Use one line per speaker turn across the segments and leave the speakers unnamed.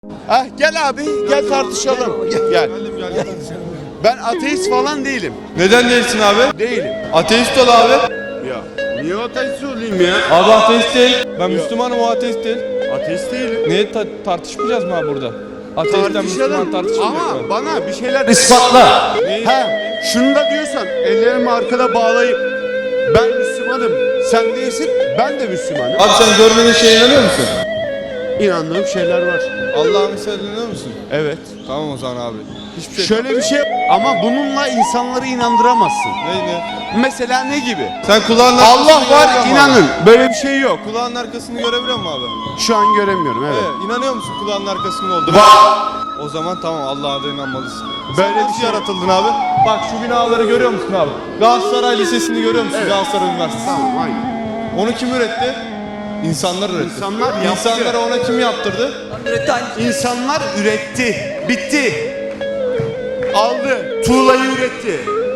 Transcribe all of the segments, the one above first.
Gel abi, gel tartışalım. Gel. Ben ateist falan değilim.
Neden değilsin abi?
Değilim.
Ateist ol abi.
Ya niye ateist olayım ya?
Abi ateist değil. Ben Müslümanım, o ateist değil.
Ateist değilim.
Niye tartışmayacağız mı abi burada? Ateistten Müslüman tartışılmıyor
ama
mu?
bana bir şeyler ispatla.
Neyi?
Şunu da diyorsan ellerimi arkada bağlayıp ben Müslümanım, sen değilsin, ben de Müslümanım.
Abi sen görmediğin şeye inanıyor musun?
İnandığım şeyler var.
Allah'ın mesela inanıyor musun?
Evet.
Tamam o zaman abi. Hiçbir şey.
Şöyle bir şey ama bununla insanları inandıramazsın.
Ne?
Mesela ne gibi?
Sen kulağın arkasını
Allah var,
görebiliyor musun
inanın.
abi?
Böyle bir şey yok.
Kulağın arkasını görebiliyor musun abi?
Şu an göremiyorum, evet.
Evet. İnanıyor musun kulağın arkasının olduğunu?
Var.
O zaman tamam, Allah'a da inanmalısın.
Böyle
Sen
bir
nasıl
şey-
yaratıldın abi? Bak şu binaları görüyor musun abi? Galatasaray Lisesi'ni görüyor musun?
Evet.
Galatasaray Üniversitesi.
Tamam, aynen.
Onu kim üretti? İnsanlar üretti.
İnsanlar yaptı.
İnsanlara ona kim yaptırdı?
İnsanlar üretti. Bitti. Aldı. Tuğlayı üretti.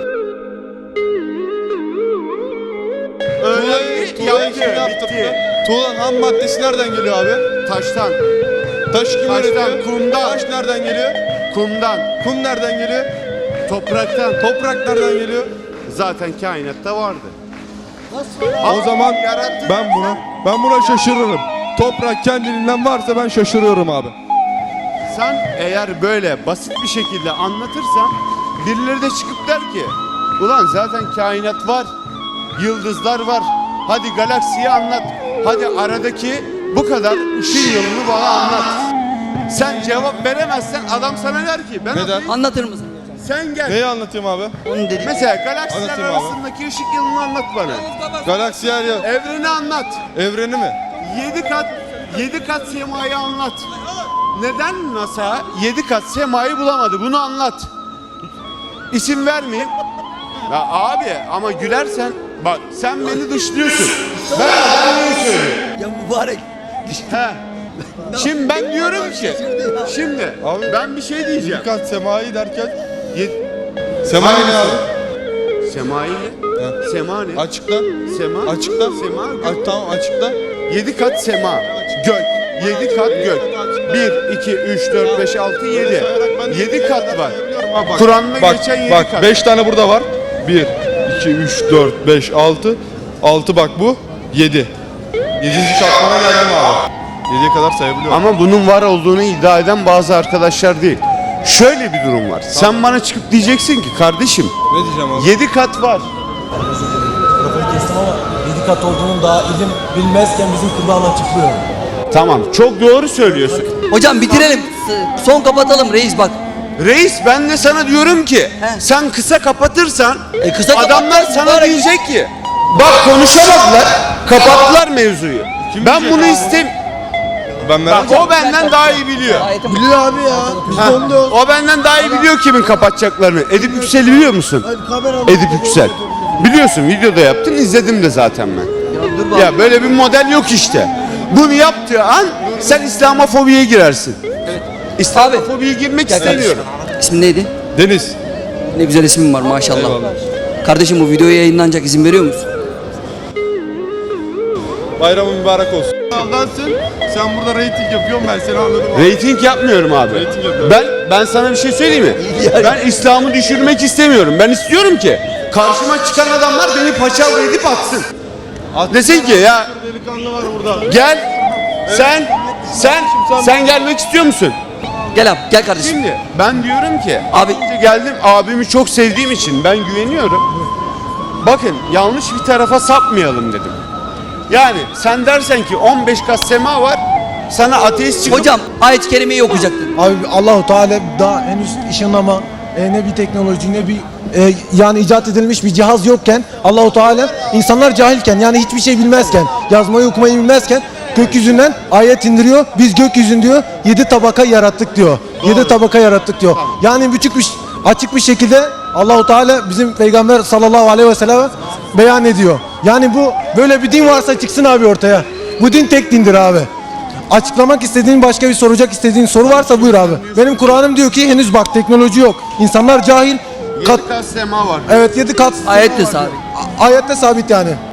Tuğlayı kim yaptırdı? Tuğlanın ham maddesi nereden geliyor abi?
Taştan,
Taş kim
Taştan,
üretiyor?
kumdan.
Taş nereden geliyor?
kumdan,
Kum nereden geliyor?
topraktan.
Toprak nereden geliyor?
Zaten kainatta vardı.
O zaman
yarattı.
ben buna şaşırırım. Toprak kendiliğinden varsa ben şaşırıyorum abi.
Sen eğer böyle basit bir şekilde anlatırsan birileri de çıkıp der ki ulan zaten kainat var, yıldızlar var. Hadi galaksiyi anlat. Hadi aradaki bu kadar ışın yılını bana anlat. Sen cevap veremezsen adam sana der ki ben
Neden?
Anlatır mısın?
sen gel.
Neyi anlatayım abi?
Onu dedik.
Mesela galaksiler
Anlatayım abi.
arasındaki ışık yılını anlat bana.
Galaksi yer ya.
Evreni anlat.
Evreni mi?
7 kat semayı anlat. Neden NASA 7 kat semayı bulamadı? Bunu anlat. İsim vermeyeyim. Ya abi ama gülersen bak sen beni dışlıyorsun. Ben adamı söylüyorum.
Ya mübarek.
He. Şimdi ben diyorum ki şimdi
Abi,
ben bir şey diyeceğim.
Dikkat semayı derken.
Ye-
Semayı ne abi?
Semayı ne?
He.
Sema ne?
Açıkla.
Sema.
Açıkla.
Sema.
Tamam açıkla.
7 kat sema. Gök. 7 kat gök. 1, 2, 3, 4, 5, 6, 7. 7 kat var. Kur'an'da geçen 7
bak
kat.
5 tane burada var. 1, 2, 3, 4, 5, 6. 6 bak bu. 7. 7. katmana geldim abi. 7'ye kadar sayabiliyorum.
Ama bunun var olduğunu iddia eden bazı arkadaşlar değil. Şöyle bir durum var. Sen bana çıkıp diyeceksin ki kardeşim
Ne diyeceğim abi?
7 kat var.
Mikrofonu kestim ama 7 kat olduğunun daha ilim bilmezken bizim Kur'an açıklıyor.
Tamam çok doğru söylüyorsun.
Hocam bitirelim. Son kapatalım reis bak.
Reis ben de sana diyorum ki
He.
sen kısa kapatırsan
Kısa
adamlar
kapatmaz,
sana
mübarek.
diyecek ki bak konuşamadılar kapattılar mevzuyu. Ben
diyecek
bunu
abi?
Bak
merak
o benden daha iyi biliyor.
Ayetim-
Biliyor abi ya. Biz
Ha,
de onu diyoruz.
o benden daha iyi biliyor kimin kapatacaklarını. Edip Yüksel'i biliyor musun? Edip Yüksel. Biliyorsun videoda yaptın izledim de zaten ben.
Ya dur bak.
Ya böyle bir model yok işte. Bunu yaptığı an sen İslamofobiye girersin. İslamofobiye girmek istemiyorum.
İsmin neydi?
Deniz.
Ne güzel ismin var maşallah.
Eyvallah.
Kardeşim bu videoya yayınlanacak, izin veriyor musun?
Bayramın mübarek olsun. Aldansın. Sen burada reyting yapıyorsun, ben seni anladım.
Reyting yapmıyorum abi.
Reyting yapıyorum.
Ben sana bir şey söyleyeyim mi? Ben İslam'ı düşürmek istemiyorum. Ben istiyorum ki karşıma çıkan adamlar beni paçavra edip atsın. Desin ki ya
Delikanlı var burada.
gel sen gelmek istiyor musun?
Gel abi, gel kardeşim.
Şimdi ben diyorum ki
Abi-
önce geldim abimi çok sevdiğim için ben güveniyorum. Bakın yanlış bir tarafa sapmayalım dedim. Yani sen dersen ki 15 kat sema var sana ateist çıkıp
Hocam ayet-i kerimeyi okuyacaktın.
Abi Allahu Teala daha henüz ışınlama, ne bir teknoloji ne bir yani icat edilmiş bir cihaz yokken Allahu Teala insanlar cahilken yani hiçbir şey bilmezken yazmayı okumayı bilmezken gökyüzünden ayet indiriyor. Biz gökyüzün diyor 7 tabaka yarattık diyor. 7 tabaka yarattık diyor. Yani açık bir şekilde Allahu Teala bizim Peygamber sallallahu aleyhi ve sellem beyan ediyor. Yani bu böyle bir din varsa çıksın abi ortaya. Bu din tek dindir abi. Açıklamak istediğin başka bir soracak istediğin soru varsa buyur abi. Benim Kur'an'ım diyor ki henüz bak teknoloji yok. İnsanlar cahil.
7 kat sema var.
Evet 7 kat.
Ayet de sabit.
Ayette sabit yani.